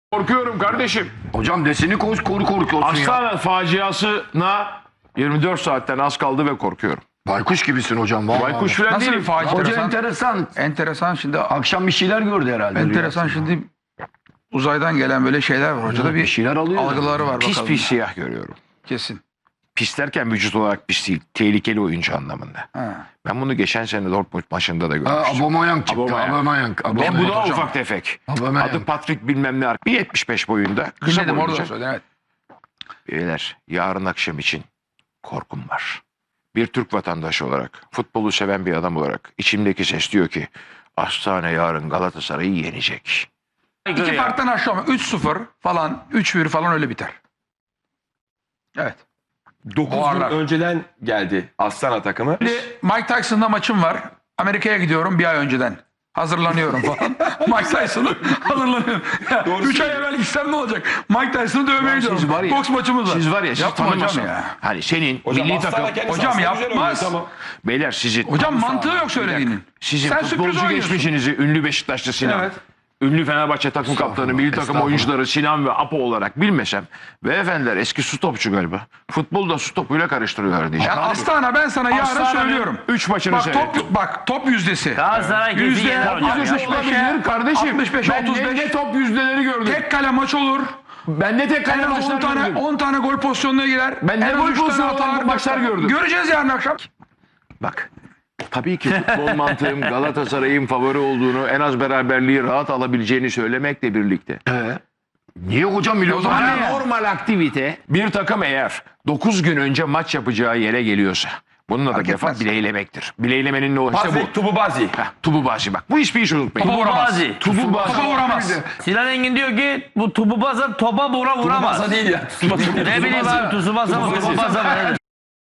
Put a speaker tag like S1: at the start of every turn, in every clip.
S1: Korkuyorum kardeşim.
S2: Hocam deseni korkuyorsun ya.
S1: Aslan faciasına 24 saatten az kaldı ve korkuyorum.
S2: Baykuş gibisin hocam. Vallahi.
S1: Baykuş falan
S3: Nasıl bir
S1: değilim.
S3: facia?
S2: Hoca enteresan.
S3: Enteresan şimdi.
S2: Akşam bir şeyler gördü herhalde.
S3: Enteresan şimdi uzaydan gelen böyle şeyler var. Hocada bir
S2: şeyler alıyor.
S3: algıları var
S1: Pis
S3: bakalım.
S1: pis siyah görüyorum.
S3: Kesin.
S1: Pis derken vücut olarak pis değil. Tehlikeli oyuncu anlamında.
S3: Ha.
S1: Ben bunu geçen sene Dortmund maçında da görmüştüm.
S2: Aubameyang çıktı.
S1: Aubameyang.
S2: Aubameyang.
S1: Ve bu da
S2: Hocam.
S1: ufak tefek.
S2: Aubameyang.
S1: Adı Patrick bilmem ne. 1.75 boyunda. Kısa
S3: Dinledim orada
S1: boyunca.
S3: da söyledi. Evet.
S1: Beyler yarın akşam için korkum var. Bir Türk vatandaşı olarak, futbolu seven bir adam olarak içimdeki ses diyor ki Hastane yarın Galatasaray'ı yenecek.
S3: İki farktan aşağı ama 3-0 falan 3-1 falan öyle biter. Evet.
S4: 9 gün
S3: Ağırlar.
S4: önceden geldi Astana takımı.
S3: Şimdi Mike Tyson'da maçım var. Amerika'ya gidiyorum bir ay önceden. Hazırlanıyorum falan. Mike Tyson'ı hazırlanıyorum. 3 ay evvel gitsem ne olacak? Mike Tyson'ı dövmeye
S1: Siz var
S3: gidiyorum.
S1: ya-
S3: Boks maçımız var.
S1: Siz var ya siz
S3: Yapma hocam
S1: tanımazsın.
S3: ya.
S1: Hani senin
S4: Hocam
S1: milli
S4: Astana
S1: takım.
S4: kendisi
S3: Hocam
S4: aslında güzel
S3: yapmaz.
S4: oynuyor, tamam.
S1: Beyler sizin
S3: Hocam mantığı yok söylediğinin.
S1: sizin
S3: Sen sürpriz
S1: futbolcu
S3: oynuyorsun.
S1: geçmişinizi ünlü Beşiktaşlı Sinan,
S4: Evet.
S1: ünlü Fenerbahçe takım kaptanı, milli takım
S2: estağfurullah.
S1: oyuncuları Sinan ve Apo olarak bilmesem beyefendiler eski su topçu galiba. Futbolu da su topuyla karıştırıyorlar diyeceğim.
S3: Yani Astana ben sana yarın
S1: Astana'nın
S3: söylüyorum.
S1: 3 maçını
S3: Bak
S1: seyrettim.
S3: top yüzdesi.
S5: Galatasaray kesin
S3: Yüzde
S5: yener hocam.
S3: 65'e,
S1: 65 kardeşim.
S3: 65'e,
S1: Ben
S3: 35.
S1: ne top yüzdeleri gördüm.
S3: Tek kale maç olur.
S1: Ben ne tek
S3: En
S1: kale
S3: az 10
S1: maçlar
S3: tane,
S1: gördüm.
S3: 10 tane gol pozisyonuna girer.
S1: Ben ne
S3: En az
S1: gol
S3: 3 tane
S1: pozisyonu
S3: atar.
S1: olan maçlar gördüm.
S3: Göreceğiz yarın akşam.
S1: Bak tabii ki futbol mantığım Galatasaray'ın favori olduğunu, en az beraberliği rahat alabileceğini söylemekle birlikte.
S2: Niye hocam milyon
S3: zaman
S2: tane?
S3: ne?
S1: Normal aktivite bir takım eğer 9 gün önce maç yapacağı yere geliyorsa bununla da defa
S3: etmez.
S1: bileylemektir. Bileylemenin ne olursa
S4: Bazi,
S1: bu.
S4: Tubu Bazi.
S1: Tububazi bak. Bu hiçbir iş unutmayın.
S3: Topa vuramaz.
S5: Tububazi.
S1: Tububazi.
S3: Topa vuramaz.
S5: Sinan Engin diyor ki bu Tububaza topa vuramaz.
S4: Baza değil ya.
S5: Ne bileyim abi Tsubasa mı Tububaza mı nedir?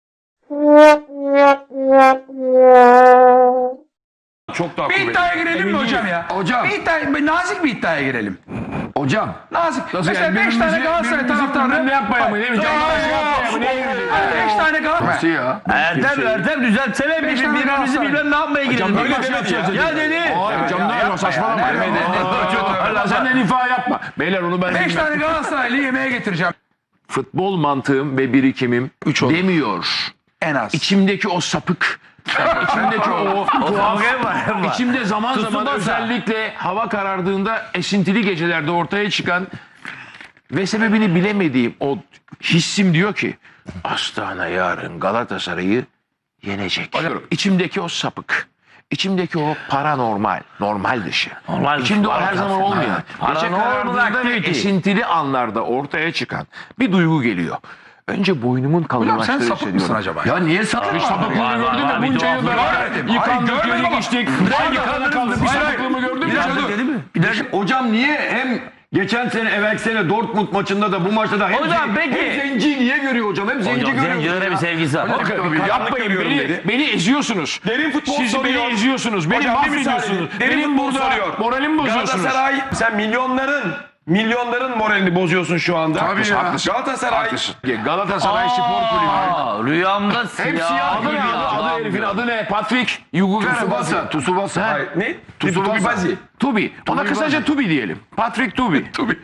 S4: Çok daha
S3: Bir
S4: kuvvetli.
S3: iddiaya girelim mi hocam ya?
S2: Hocam.
S3: Nazik bir iddiaya girelim.
S2: Hocam.
S3: Nazik.
S1: Nasıl
S3: Mesela
S1: yani?
S3: 5 tane
S1: Birbirimizi-
S3: Galatasaray
S1: birbirimizi
S3: taraftarı.
S1: ne yapmaya mı? Değil mi? Canlı şey yapmaya mı? Ne ilgili?
S3: 5 tane Galatasaray.
S2: Nasıl ya?
S5: Ertem düzeltsene
S3: Beş tane
S5: birbirimizi
S3: Galatasaray.
S5: bilmem ne yapmaya girelim.
S1: böyle
S5: Bak,
S1: demedi ya.
S5: Ya dedi.
S1: Hayır camdan saçmalama. Allah senden ifa yapma. Beyler onu ben
S3: 5
S1: bilmem.
S3: tane Galatasaraylı yemeğe getireceğim.
S1: Futbol mantığım ve birikimim
S3: olur.
S1: demiyor.
S3: En az.
S1: İçimdeki o sapık, içimdeki o tuhaf,
S5: Kavga var.
S1: içimde zaman zaman
S5: Tsubasa.
S1: özellikle hava karardığında esintili gecelerde ortaya çıkan ve sebebini bilemediğim o hissim diyor ki Astana yarın Galatasaray'ı yenecek. İçimdeki o sapık, içimdeki o paranormal, normal dışı.
S5: Normal
S1: İçimde o
S5: dışı,
S1: her zaman olmayan, gece
S5: Paranormal
S1: karardığında ve
S5: activity.
S1: esintili anlarda ortaya çıkan bir duygu geliyor. Önce boynumun
S3: Hocam sen
S1: kalınlaştığını
S3: sapık mısın
S1: hissediyorum.
S3: acaba?
S2: Ya niye sapık?
S1: Sapıklığını
S5: Var,
S1: gördün
S5: var,
S1: mü?
S5: bir
S1: Bunca yıl
S5: tuhaflık var.
S1: beraber yıkandık,
S3: Hayır,
S1: yedik,
S3: görmedim
S1: içtik.
S3: ama-
S1: Aynı kaldık. Bir
S3: Hayır,
S1: sapıklığımı gördün mü?
S2: Hocam niye hem geçen sene evvelki sene Dortmund maçında da bu maçta da hep,
S5: Hocam, peki.
S2: hep zenci niye görüyor hocam? Hep zenci
S5: Hocam
S2: görüyor.
S5: zencilere bir sevgisi var.
S1: Yapmayın
S4: görüyorum
S1: beni,
S4: dedi.
S1: beni eziyorsunuz.
S4: Derin futbol
S1: Siz
S4: soruyor.
S1: beni eziyorsunuz. Beni
S4: Hocam, bir müsaade
S1: mahvediyorsunuz.
S4: edin. Derin
S1: Benim
S4: futbol
S1: burada
S4: soruyor.
S1: moralimi bozuyorsunuz.
S4: Galatasaray sen milyonların moralini bozuyorsun şu anda.
S2: Tabii ya.
S1: Haklısın.
S4: Galatasaray
S1: Haklısın. Galatasaray Spor Kulübü.
S5: Aa, rüyamda siyah
S1: Adı
S5: gibi
S1: ne? Adı herifin adı ne? Patrick Yugugara.
S2: Tsubasa. Tsubasa.
S4: Hayır, ne? Tubi
S1: Tsubasa.
S4: Bazi.
S1: Tubi. Ona kısaca Tubi diyelim. Patrick Tubi.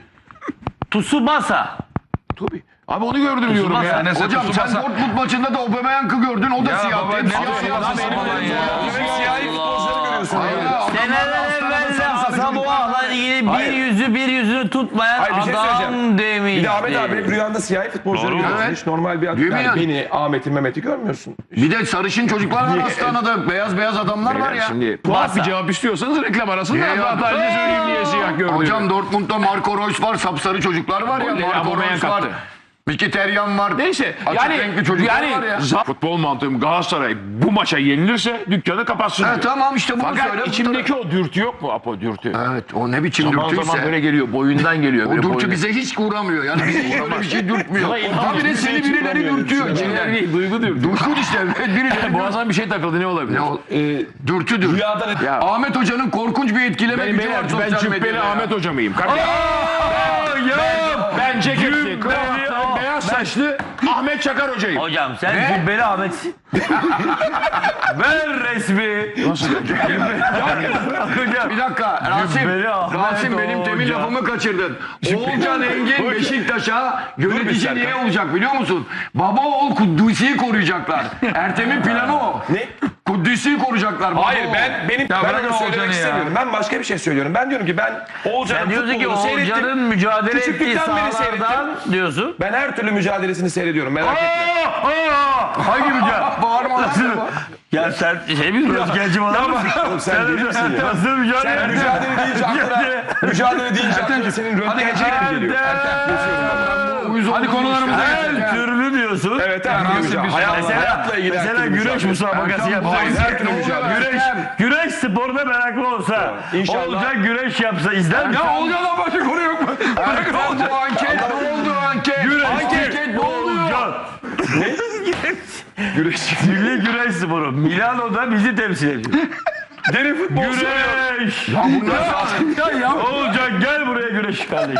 S5: Tsubasa.
S1: Tubi. Abi onu gördüm diyorum
S5: Tsubasa.
S1: ya.
S3: Neyse,
S2: Hocam sen
S3: Tsubasa.
S2: Dortmund maçında da Aubameyang'ı gördün. O da
S3: Ya
S2: siyahtı.
S3: baba,
S2: Hep
S3: ne
S2: siyah.
S3: Tsubasa falan ya.
S4: Siyahi futbolcuları görüyorsun.
S5: Seneler evvel Asamoah'la ilgili bir yüzünü tutmayan
S4: Hayır, bir şey
S5: adam
S4: söyleyeceğim.
S5: demişti.
S4: Bir de Ahmet abi hep rüyanda siyahi futbolcuları
S5: Doğru.
S4: görüyorsun.
S2: Evet.
S4: Hiç normal bir adam.
S2: Değil mi
S4: Yani
S2: yani?
S4: beni, Ahmet'i, Mehmet'i görmüyorsun.
S2: Bir de sarışın çocuklar var Astana'da. Beyaz adamlar var ya.
S1: Şimdi tuhaf bir cevap istiyorsanız reklam arasında
S2: Ya, ya.
S1: sadece söyleyeyim niye siyah gördüğünü.
S2: Hocam Dortmund'da Marco Reus var. Sapsarı çocuklar var ya.
S1: Golleri
S2: Marco
S1: Aubameyang
S2: Reus var.
S1: attı.
S2: Mkhitaryan var.
S1: Neyse
S2: Açık renkli çocuklar var ya.
S1: futbol mantığım Galatasaray bu maça yenilirse dükkanı kapatsın diyor.
S2: Tamam işte bunu
S1: Fakat
S2: söyle.
S1: içimdeki o dürtü yok mu Apo dürtü?
S2: Evet o ne biçim
S1: Zaman zaman
S2: dürtüyse.
S1: böyle geliyor boyundan geliyor.
S2: O
S1: böyle
S2: dürtü
S1: boyun-
S2: bize hiç uğramıyor. Yani bize hiç öyle bir şey dürtmüyor. Tabii de seni birileri dürtüyor.
S1: Şeyler
S2: içinden.
S1: değil, duygu dürtü.
S2: Dürtü işte. Birileri
S1: Boğazdan bir şey takıldı ne olabilir?
S2: Ne o? Dürtüdür.
S4: Rüyada ne?
S1: Ya
S2: Ahmet Hoca'nın korkunç bir etkileme
S1: benim
S2: gücü var
S1: ben
S2: sosyal
S1: Cübbeli
S2: medyada.
S1: Ahmet Hocam mıyım? Kardeşim. Ben ceketli, kravatlı, beyaz beyaz saçlı Ahmet Çakar hocayım.
S5: Hocam sen Cübbeli Ahmet'sin. Ver resmi.
S1: Nasıl hocam?
S2: Bir dakika Rasim.
S5: Cübbeli Ahmet
S2: Rasim benim temin
S5: Hoca.
S2: lafımı kaçırdın. Oğulcan Engin Beşiktaş'a yönetici niye olacak biliyor musun? Baba oğul Kudüs'ü koruyacaklar. Ertem'in planı o.
S4: Ne?
S2: Kudüs'ü koruyacaklar. Baba
S4: Hayır
S2: oğul.
S4: ben
S3: bırak
S4: onu
S3: Oğulcan'ı
S4: söylemek
S3: ya.
S4: istemiyorum. Ben başka bir şey söylüyorum. Ben diyorum ki ben Oğulcan'ın
S5: Sen diyorsun ki
S4: futbolunu seyrettim.
S5: Oğulcan'ın mücadele ettiği
S4: Küçüklükten beri
S5: sahalardan diyorsun.
S4: Ben her türlü mücadelesini seyrediyorum merak etme.
S5: Hangi mücadele?
S2: Bağırma lan.
S5: Ya sen şey mi röntgenci falan mısın?
S4: Oğlum sen deli misin ya?
S5: Nasıl mücadele
S4: Sen mücadele deyince mücadele deyince aklına senin röntgencilik mi geliyor?
S3: Hadi konularımıza geçelim.
S5: Her türlü diyorsun.
S4: Evet her türlü mücadele. Hayatla ilgili her
S5: Mesela
S4: türlü
S5: güreş
S4: mücadele.
S5: müsabakası yapacağız.
S4: Her türlü mücadele.
S5: Güreş sporda meraklı olsa,
S4: İnşallah.
S5: olacak güreş yapsa izler misin?
S3: Ya Oğulcan'dan başka konu yok mu? Bırakın Oğulcan.
S2: Bu anket ne oldu anket? Anket ne oluyor?
S5: Milli güreş sporu. Milano'da bizi temsil ediyor.
S4: Deli futbol
S5: Güreş. Olacak gel buraya güreş kardeş.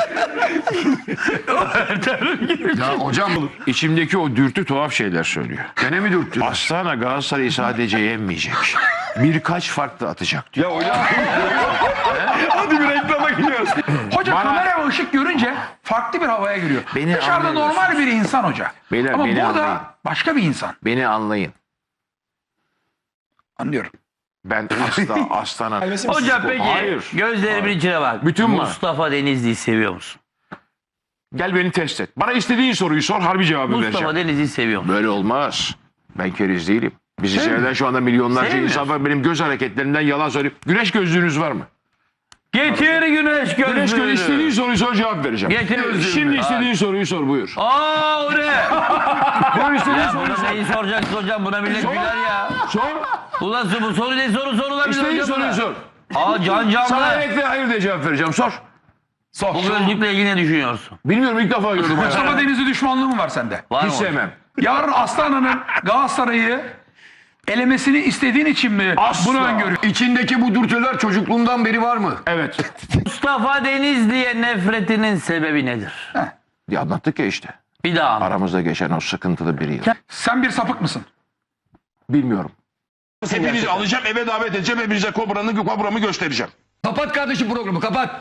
S2: Ya hocam
S1: İçimdeki o dürtü tuhaf şeyler söylüyor.
S2: gene mi dürttü?
S1: Astana Galatasaray'ı sadece yenmeyecek. Birkaç farklı atacak diyor.
S4: Ya hocam. Hadi bir reklama gidiyoruz.
S3: Hoca
S1: Bana-
S3: kamera ve ışık görünce farklı bir havaya giriyor.
S1: Beni
S3: Dışarıda
S1: anlıyorsunuz.
S3: normal bir insan hoca.
S1: Beyler,
S3: Ama
S1: beni
S3: burada
S1: anlayın.
S3: başka bir insan.
S1: Beni anlayın.
S3: Anlıyorum.
S1: Ben Astana.
S5: Hocam peki
S1: Hayır.
S5: gözlerimin içine bak.
S1: Bütün mü?
S5: Mustafa Denizli'yi seviyor musun?
S1: Gel beni test et. Bana istediğin soruyu sor, harbi cevabı
S5: Mustafa
S1: vereceğim.
S5: Denizli'yi seviyor musun?
S1: Böyle olmaz. Ben keriz değilim. Bizi seyreden şu anda milyonlarca
S5: Sevmiyorsun.
S1: insan var. Benim göz hareketlerimden yalan söyleyip. Güneş gözlüğünüz var mı?
S5: Getir güneş gözlüğünü.
S1: Güneş gözlüğü istediğin soruyu sor, cevap vereceğim.
S5: Getir gözlüğünü.
S1: Şimdi istediğin soruyu sor, buyur.
S5: Aa o ne?
S1: Buyur istediğin
S5: Ya
S1: soruyu
S5: bunu
S1: sor.
S5: neyi soracaksın hocam? Buna millet güler ya.
S1: Sor.
S5: Ulan bu soru ne sorular
S1: İstediğin soruyu sor.
S5: Aa can
S1: Sana
S5: canlı.
S1: evet ve hayır diye cevap vereceğim. Sor.
S5: Bu gözlükle ilgili ne düşünüyorsun?
S1: Bilmiyorum, ilk defa gördüm
S3: Mustafa
S1: hayatımda.
S3: Denizli düşmanlığı mı var sende?
S5: Var mı
S1: Hiç
S5: hocam?
S1: sevmem.
S3: Yarın Aslan'ın Galatasaray'ı elemesini istediğin için mi
S1: Asla.
S3: bunu öngörüyor?
S2: İçindeki bu dürtüler çocukluğundan beri var mı?
S1: Evet.
S5: Mustafa Denizli'ye nefretinin sebebi nedir?
S1: Ya anlattık ya işte.
S5: Bir daha anlat.
S1: Aramızda geçen o sıkıntılı bir yıl.
S3: Sen bir sapık mısın?
S1: Bilmiyorum.
S6: Hepinizi alacağım eve davet edeceğim. Hepinize kobramı göstereceğim.
S2: Kapat kardeşim programı kapat.